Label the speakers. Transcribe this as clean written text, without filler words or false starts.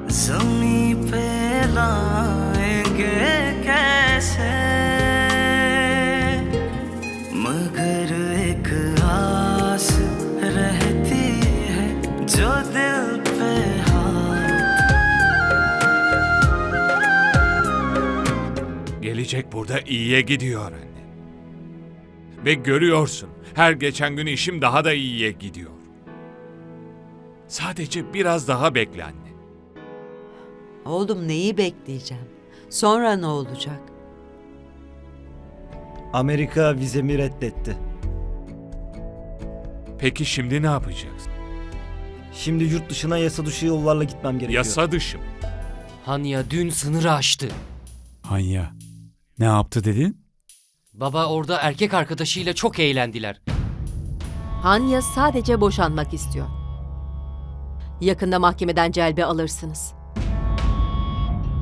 Speaker 1: ज़मीं पे लाएंगे कैसे, मगर एक आस रहती है जो दिल पे
Speaker 2: Gelecek burada iyiye gidiyor anne. Ve görüyorsun, her geçen gün işim daha da iyiye gidiyor. Sadece biraz daha bekle anne.
Speaker 3: Oğlum neyi bekleyeceğim? Sonra ne olacak?
Speaker 4: Amerika vizemi reddetti.
Speaker 2: Peki şimdi ne yapacaksın?
Speaker 4: Şimdi yurt dışına yasa dışı yollarla gitmem gerekiyor.
Speaker 2: Yasa dışı mı?
Speaker 5: Hanya dün sınırı aştı.
Speaker 6: Hanya, ne yaptı dedin?
Speaker 5: Baba orada erkek arkadaşıyla çok eğlendiler.
Speaker 7: Hanya sadece boşanmak istiyor. Yakında mahkemeden celbe alırsınız.